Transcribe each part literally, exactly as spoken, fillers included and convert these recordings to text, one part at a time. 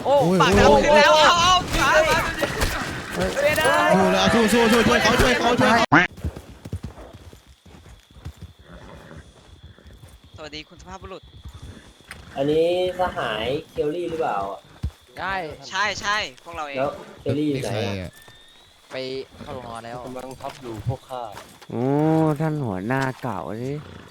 โอ้โอ้ยปากโอ้ยน้ำขึ้นแล้วเอาเอาขามาไม่ได้โอ้แล้วสู้สู้สู้ช่วยเขาช่วยเขาช่วยเขาสวัสดีคุณสุภาพบุรุษอันนี้สหายเคลลี่หรือเปล่าใช่ใช่ใช่พวกเราเองแล้วเคลลี่อยู่นี่ไหนใครอะอ่ะไปเข้าโรงนอนแล้วกำลังทับอยู่พวกข้าโอ้ท่านหัวหน้าเก่าสิ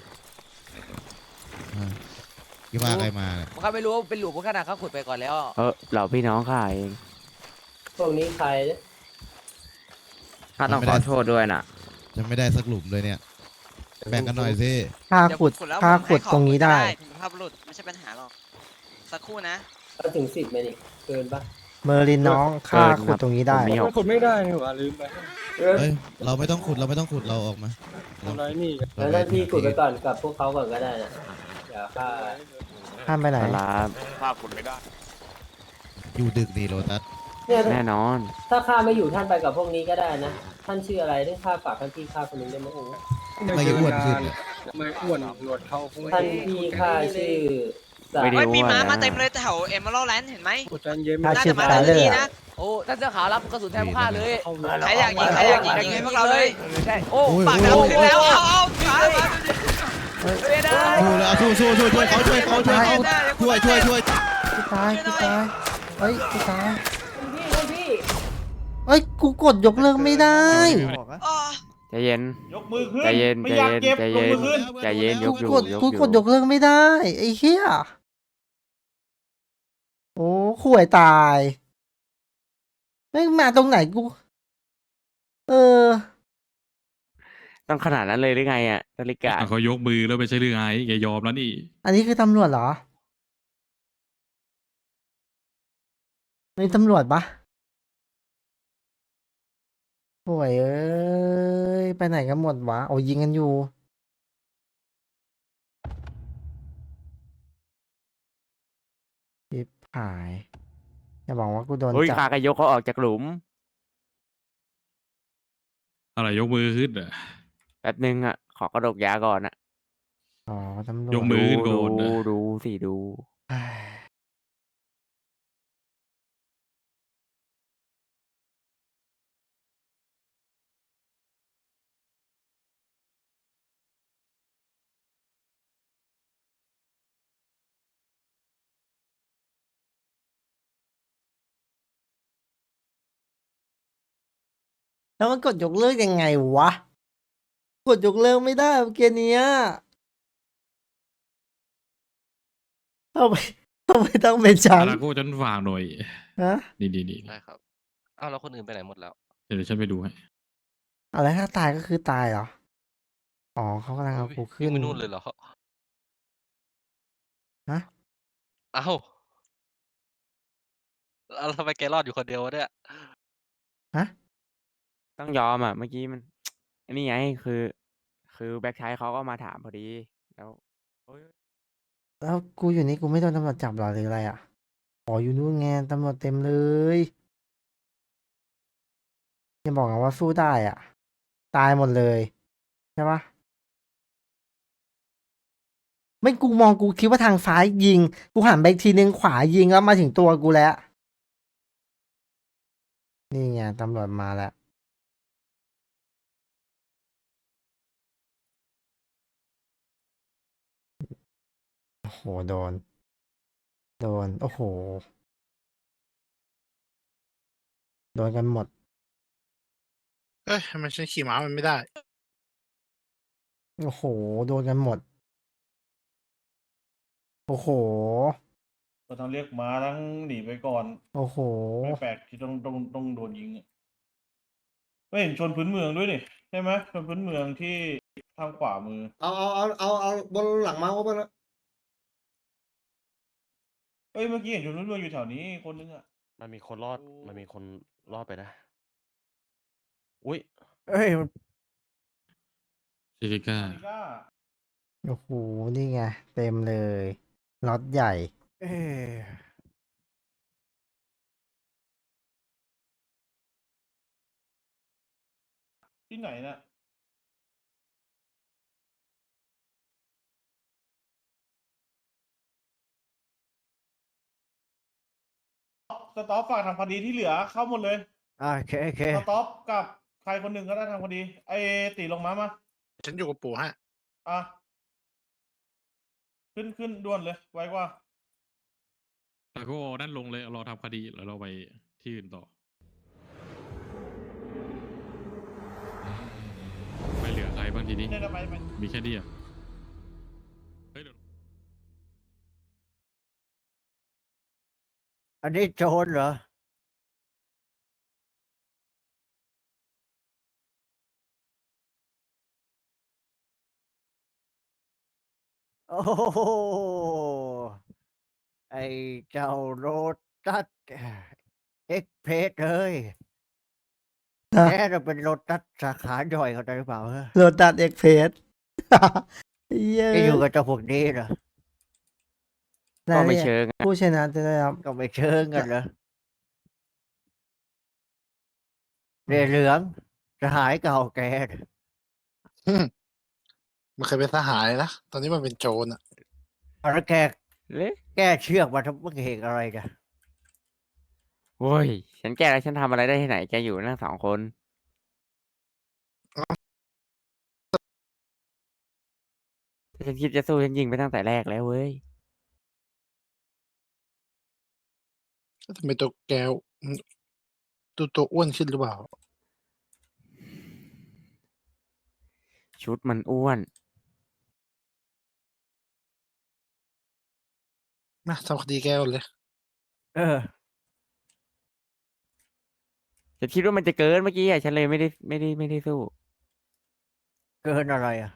อ่ากี่ว่าใครมาเนี่ยผมข้าไม่รู้เป็นหลุมพวกขนาดเขาขุดไปก่อนแล้วเออเราพี่น้องข้าเองพวกนี้ใครเนี่ยข้าต้องขอโทษด้วยนะจะไม่ได้สักหลุมเลยเนี่ยแบ่งกันหน่อยสิค่าขุดเยวแล้วค่าผมขุดให้ขอตรงนี้ได้คุณสุภาพบุรุษไม่ใช่ปัญหาหรอกสักครู่นะก็ถึงสิบไหมนี่เกินปะเมอร์ลินน้องค่าขุดตรงนี้ได้ผมมีหไม่กขุดไม่ได้นี่หว่าลืมไปเออเอ้ยเราไม่ต้องขุดเราไม่ต้องขุดเราออกมาทำไรนี่กันแล้วหน้าที่ขุดไปก่อนกับพวกเขาก่อนก็ได้นะเดี๋ยวข้าข้ามไปไหนลาข้าขุดไม่ได้อยู่ดึกดีโรตัสเนี่ยแน่นอนถ้าข้าไม่อยู่ท่านไปกับพวกนี้ก็ได้นะ ท่านชื่ออะไรได้ข้าฝากท่านพี่ข้าคนหนึงได้ไหมโอ้ไม่กี่อ้วนขึ้นเนี่ยไม่อ้วนหนวดเขาคงท่านพี่ข้าชื่อสาไม่ได้เฮ้ยมีม้าว่านะมาเต็มเลยแถวเอเมอรัลด์แลนด์เห็นไหมขุดจานเย็นถ้าน่าชื่จะอมาตาจากเลอที่ร์นี่นะโอ้ท่านเสื้อขาวรับกระสุนแทนพวกข้าเลยเข้าเลยใครอยากยิงใครอยากยิงยิงให้พวกเราเลยใช่โอ้โอ้ยปากโอ้ยน้ำขึ้นแล้วเอาเอาขามาไม่ได้โอ้แล้วสู้สู้สู้ช่วยเขาช่วยเขาช่วยเขาช่วยช่วยช่วยกูตายกูตายเฮ้ยกูตายพี่พี่เฮ้ยกูกดยกเลิกไม่ได้อ๋อใจเย็นยกมือขึ้นใจเย็นไม่ใจอยากเย็นเจ็บใจยเย็กนมือขึ้นใจเย็นยกอยู่กดยกกูอยู่กดยกเลิกไม่ได้ไอ้เหี้ยโอ้ข่วยตายไม่งมาตรงไหนกู เออต้องขนาดนั้นเลยหรือไงอ่ะนาฬิกาอ่ะเขายกมือแล้วไม่ใช่เรื่องไงแกยอมแล้วนี่อันนี้คือตำรวจเหรอนี่ตำรวจปะโอ้ยเอ้ย ไปไหนกันหมดวะ โอ้ยยิงกันอยู่ ชิบหาย อย่าบอกว่ากูโดนเฮ้ยจับข้าก็ยกเขาออกจากหลุมอะไรยกมือขึ้นอ่ะแป๊บนึงอ่ะ ขอกระดกยาก่อนอ่ะอ๋อ ตำรวจยกมือ ขึ้นก่ดูอนนะดูดูสิดูเฮ้ยแล้วมันกดยกเลิกยังไงวะ กดยกเลิกไม่ได้เมื่อกี้เนี้ยทำไมทำไมต้องเป็นฉันอาราโก้ฉันฝากหน่อยฮะนี่นี่นี่ได้ครับอ้าวแล้วคนอื่นไปไหนหมดแล้วเดี๋ยวฉันไปดูให้อะไรถ้าตายก็คือตายเหรอ อ๋อเขากำลังเอากูขึ้นไม่นู่นเลยเหรอฮะอ้าวแล้วทำไมแกรอดอยู่คนเดียววะเนี่ยฮะต้องยอมอ่ะ เมื่อกี้มัน อันนี้ไงคือ คือแบ็คไชเขาก็มาถามพอดี แล้วเฮ้ยแล้วกูอยู่นี่กูไม่โดนตำรวจจับเหรอหรืออะไรอ่ะ อ๋ออยู่นู่นไงตำรวจเต็มเลยอย่าบอกนะว่าสู้ได้อ่ะ ตายหมดเลยใช่ปะไม่กูมองกูคิดว่าทางซ้ายยิง กูหันไปอีกทีนึงขวายิงแล้วมาถึงตัวกูแล้ว นี่ไงตำรวจมาแล้ว โอ้โห โดน โดน โอ้โห โดนกันหมดเอ้ยทำไมฉันขี่ม้ามันไม่ได้โอ้โห โดนกันหมด โอ้โหก็ต้องเรียกม้าทั้งหนีไปก่อนโอ้โหไม่แปลกที่ต้องต้องต้องโดนยิงอะไม่เห็นชนพื้นเมืองด้วยนี่ใช่ไหมชนพื้นเมืองที่ทางขวามือเอาเอาเอาเอาเอาบนหลังมาว่าบนเอ้ยเมื่อกี้เห็นชนพื้นเมืองอยู่แถวนี้คนนึงอ่ะมันมีคนรอด มันมีคนรอดไปนะ อุ้ยเอ้ยซิลิก้านิก้าโอ้โห นี่ไง เต็มเลยล็อตใหญ่ เอ้ยที่ไหนน่ะสต็อปฝากทำคดีที่เหลือเข้าหมดเลยอ่าโอเคโอเคสต็อปกับใครคนหนึ่งก็ได้ทำคดีไอ้ตีลงมามาฉันอยู่กับปู่ฮะอ่ะขึ้นขึ้นด่วนเลยไวกว่าแล้วก็เอานั่นลงเลยรอทำคดีแล้วเราไปที่อื่นต่อไม่เหลือใครบ้างทีนี้เนี่ยไปไปมีแค่นี้อ่ะเฮ้ยเดี๋ยวอันนี้โจรเหรอโอ้โหไอเจ้าโรตัสเอ็กเพรสเลยนะแกจะเป็นโรตัสสาขาย่อยเขาได้หรือเปล่าเฮ้ยโรตัสเอ็กเพสเย้แกอยู่กับเจ้าพวกนี้เหรอก็ไม่เชิงอะผู้ชนะจะได้รับก็ไม่เชิงกันเหรอเรือเหลืองสหายเก่าแกน่ะมันเคยเป็นทหารนะ ตอนนี้มันเป็นโจรอ่ะแล้วแกเละแก้เชือกมาทำเมื่อเหตุอะไรกันโว้ยฉันแก้แล้วฉันทำอะไรได้ที่ไหนแกอยู่นั่งสองคนถ้าฉันคิดจะสู้ฉันยิงไปตั้งแต่แรกแล้วเว้ยทำไมตัวแกมันตัวตัวอ้วนขึ้นหรือเปล่าชุดมันอ้วนมาทำคดีแกก่อนเลยเออฉันคิดว่ามันจะเกินเมื่อกี้อ่ะฉันเลยไม่ได้ไม่ได้ไม่ได้สู้เกินอะไรอ่ะ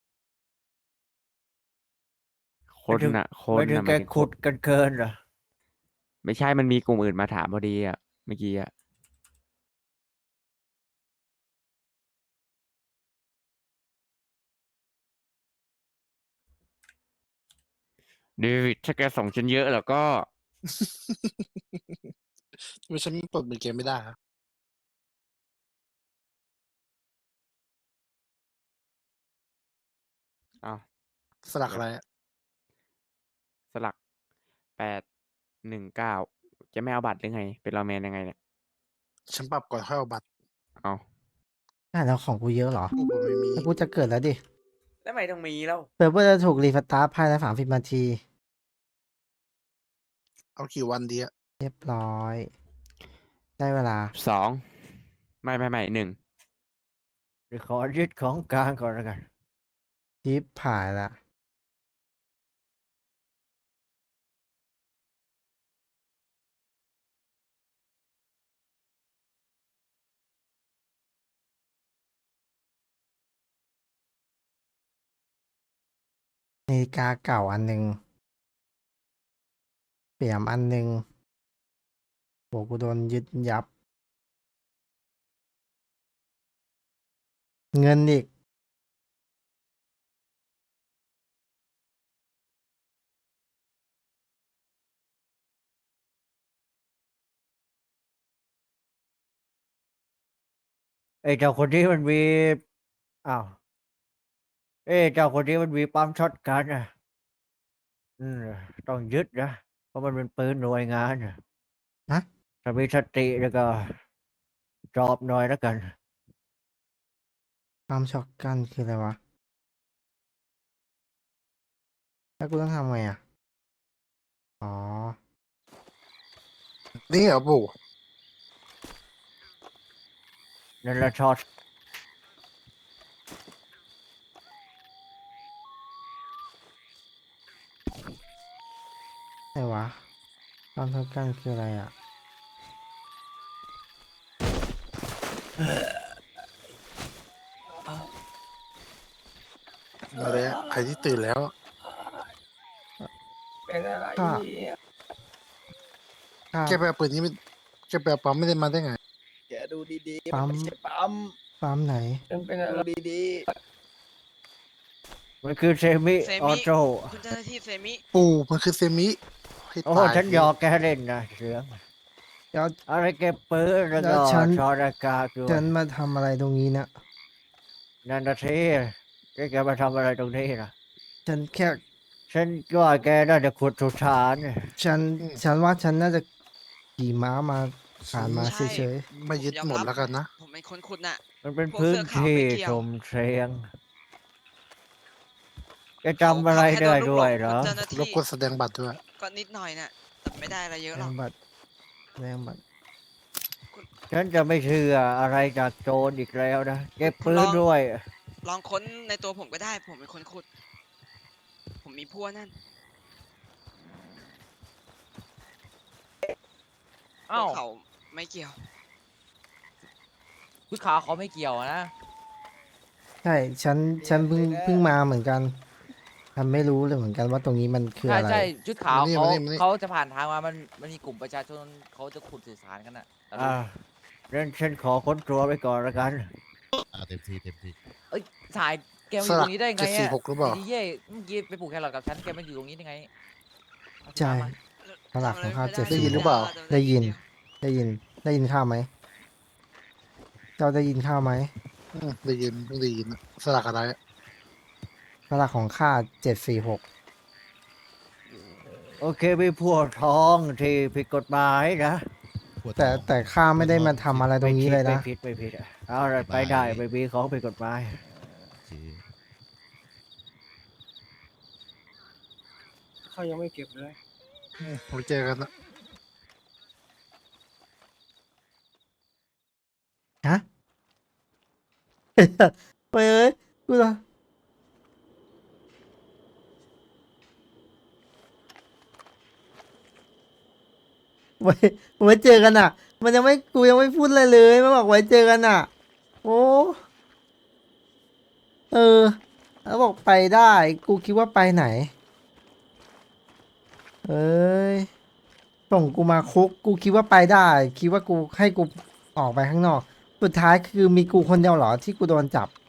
คนไม่ถึงน่ะ คไม่นถึงน่ะแกมันเป็นคขุนดกันเกินเหรอไม่ใช่มันมีกลุ่มอื่นมาถามพอดีอ่ะเมื่อกี้อ่ะเดวิดถ้าแกส่งฉันเยอะแล้วก็ทำไมฉันปลดมือแกไม่ได้ฮะอ้าวสลักอะไรอะสลักแปดหนึ่งเก้าจะไม่เอาบัตรหรือไง เป็นรอว์แมนยังไงเนี่ยฉันปรับก่อนค่อยเอาบัตรเอาอ่ะแล้วของกูเยอะเหรอกูบอกไม่มีแล้วกูจะเกิดแล้วดิแล้วไม่ต้องมีแล้วเซิร์ฟเวอร์จะถูกรีสตาร์ทภายในสามสิบนาทีเอากี่วันดีอะเรียบร้อย ได้เวลาสองไม่ไม่ไม่หนึ่งเดี๋ยวขอยึดของกลางก่อนแล้วกันทิปผ่ายละนาฬิกาเก่าอันหนึ่งเปี่ยมอันหนึ่งโหกูโดนยึดยับ เงินอีกไอ้เจ้าคนนี้มันมีอ้าวเอ้เจ้าคนนี้มันมีปั๊มช็อตกันอ่ะอืมต้องยึดนะเพราะมันเป็นปืนหน่วยงานอ่ะฮะถ้ามีสติแล้วก็จอบหน่อยแล้วกันความช็อกกันคืออะไรวะ แล้วกูต้องทำไงอ่ะ อ๋อนี่เหรอปู่นั่นแหละช็อตไหนวะความช็อกกันคืออะไรอ่ะมาเลยอะใครที่ตื่นแล้วค่ะค่ะแกไปเอาปืนนี้ไม่แกไปเอาปั๊มไม่ได้มาได้ไงแกดูดีปั๊มๆไม่ใช่ปั๊มปั๊มไหนมันเป็นอะไรดีมันคือเซมิเซออมิโต้คุณเจ้าหน้าที่เซมิปู่มันคือเซมิให้โอ้ตายฉันหยอกแกเล่นนะเสืองแล้วอะไรเก็บปืนแล้วแล้ก็วฉันชอรากาด้วยฉันมาทำอะไรตรงนี้นะนันทเทแกแกมาทำอะไรตรงนี้นะฉันแค่ฉันว่าแกน่าจะขุดสุสานฉัน ฉันว่าฉันน่าจะขี่ม้ามาผ่านมาใช่เฉยไม่ยึดหมดแล้วกันนะผมเป็นคนขุดน่ะมันเป็นพวกพื้เสื้นอขาวที่ไม่เกี่ยวชมเชงจะจำอะไรได้ด้วยเหรอเจ้าหน้ารบที่กวนแสดงบัตรด้วยก็นิดหน่อยน่ะแต่ไม่ได้อะไรเยๆอะแสหรดอกงบัตรแสดงบัตรฉันจะไม่เชื่ออะไรจากโจรอีกแล้วนะเก็บปืนด้วยลองค้นในตัวผมก็ได้ ผมเป็นคนขุด ผมมีพัวนั่นพวกเขาไม่เกี่ยวชุดขาวเขาไม่เกี่ยวนะใช่ ฉัน ฉันเพิ่งเพิ่งมาเหมือนกันฉันไม่รู้เลยเหมือนกันว่าตรงนี้มันคือใช่อะไรใช่ชุดขาวมานี่เขามานี่มานี่เขาจะผ่านทางมา มันมันมีกลุ่มประชาชนเขาจะขุดสื่อสารกันอ่ะแต่อ่าเรนฉันขอค้นตัวไปก่อนละกันอ่าเต็มที่เต็มที่เอ้ยสายแกมาอยู่ตรงนี้ได้ไงเจ็ดสี่อ่ะหกหรือเปล่าดีเย่เมื่อกี้ไปปลูกแครอทกับฉันแกมาอยู่ตรงนี้ได้ไงใช่เอาที่มาตลาดของข้าวเจ็ดได้ยินหรือเปล่าได้ยิน ได้ยิน ได้ยินข้าวไหม เจ้าได้ยินข้าวไหมอืมได้ยินเพิ่งได้ยินอะสลักอะไรอะตลาดของข้าเจ็ดสี่หกโอเคมีพวกท้องที่ผิดกฎหมายนะปวดแต่ท้องแต่ข้าไม่ได้มาทำอะไรตรงนี้เลยนะไม่ผิดไม่ผิดอะเอาละไปได้ไม่มีของผิดกฎหมายโอเคเขายังไม่เก็บเลยอืมไว้เจอกันนะฮะ ไปเอ้ยกูเหรอไว้ไว้เจอกันอ่ะ มันยังไม่กูยังไม่พูดอะไรเลยมันบอกไว้เจอกันอ่ะ โอ้เออ แล้วบอกไปได้ กูคิดว่าไปไหน เอ้ยส่งกูมาคุก กูคิดว่าไปได้ คิดว่ากูให้กูออกไปข้างนอก สุดท้ายคือมีกูคนเดียวเหรอที่กูโดนจับ